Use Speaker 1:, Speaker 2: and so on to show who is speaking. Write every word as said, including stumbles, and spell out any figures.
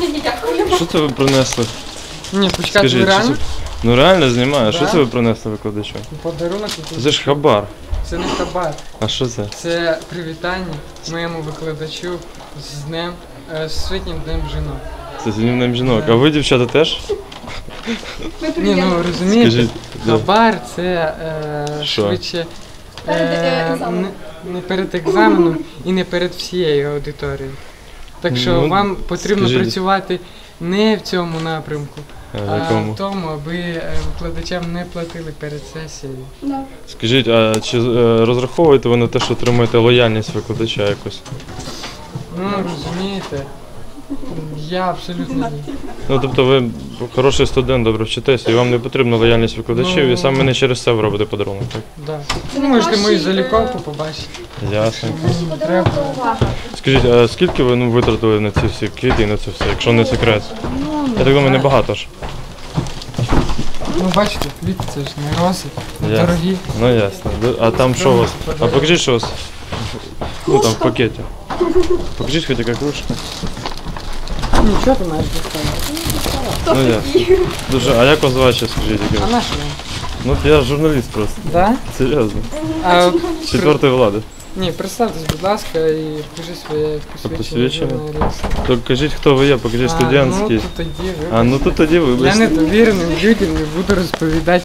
Speaker 1: Що це ви принесли?
Speaker 2: Ні, почекайте, ви
Speaker 1: Скажіть, що
Speaker 2: реально?
Speaker 1: це... Ну реально знімаю,
Speaker 2: Да.
Speaker 1: що це ви принесли викладачу?
Speaker 2: Подарунок якийсь.
Speaker 1: Це ж хабар.
Speaker 2: Це не хабар.
Speaker 1: А що це?
Speaker 2: Це привітання моєму викладачу з днем, е, з Всесвітнім днем жінок.
Speaker 1: Це з днем жінок. А ви, дівчата, теж?
Speaker 2: Ні, ну розумієте,
Speaker 1: Скажіть, да.
Speaker 2: хабар це е,
Speaker 1: Що?
Speaker 2: швидше
Speaker 3: Перед, е,
Speaker 2: е,
Speaker 3: екзаменом.
Speaker 2: не, не перед екзаменом і не перед всією аудиторією. Так що
Speaker 1: Ну,
Speaker 2: вам потрібно
Speaker 1: скажіть.
Speaker 2: працювати не в цьому напрямку,
Speaker 1: А, в
Speaker 2: а
Speaker 1: якому?
Speaker 2: в тому, аби е, викладачам не платили перед сесією.
Speaker 3: Да.
Speaker 1: Скажіть, а чи е, розраховуєте ви на те, що отримуєте лояльність викладача якось?
Speaker 2: Ну, розумієте, я абсолютно ні.
Speaker 1: Ну, тобто ви хороший студент, добре вчитеся, і вам не потрібна лояльність викладачів,
Speaker 2: Ну.
Speaker 1: і саме не через це ви робите подарунок, так?
Speaker 2: Да.
Speaker 3: Це
Speaker 2: Ви можете мою
Speaker 3: найкращий,
Speaker 2: заліковку
Speaker 3: е,
Speaker 2: побачити.
Speaker 1: Ясно.
Speaker 3: Подарунок до уваги.
Speaker 1: Скажіть, а скільки ви ну, витратили на ці всі квіти і на це все, якщо не секрет? Я так думаю, небагато ж.
Speaker 2: Ну, бачите, квіти це ж не роси, не
Speaker 1: Ясно.
Speaker 2: дорогі.
Speaker 1: Ну ясно. А там що у вас? А покажіть, що у вас? Ну там в пакеті. Покажіть хоч яка кружка.
Speaker 2: Нічого ти маєш доставити.
Speaker 1: Ну ясно. Дуже. А як вас звати ще, скажіть?
Speaker 2: А
Speaker 1: Яке?
Speaker 2: на що?
Speaker 1: Ну я журналіст просто.
Speaker 2: Да?
Speaker 1: Серйозно.
Speaker 2: А,
Speaker 1: З четвертої влади.
Speaker 2: Ні, представтесь, будь ласка, і покажи своє посвідчення
Speaker 1: посвідчення?
Speaker 2: журналіста.
Speaker 1: То кажіть, хто ви є, покажіть
Speaker 2: А,
Speaker 1: студентський.
Speaker 2: ну, то тоді,
Speaker 1: А ну
Speaker 2: вибачте.
Speaker 1: тут тоді
Speaker 2: Я
Speaker 1: вибачте.
Speaker 2: недовіреним людям не буду розповідати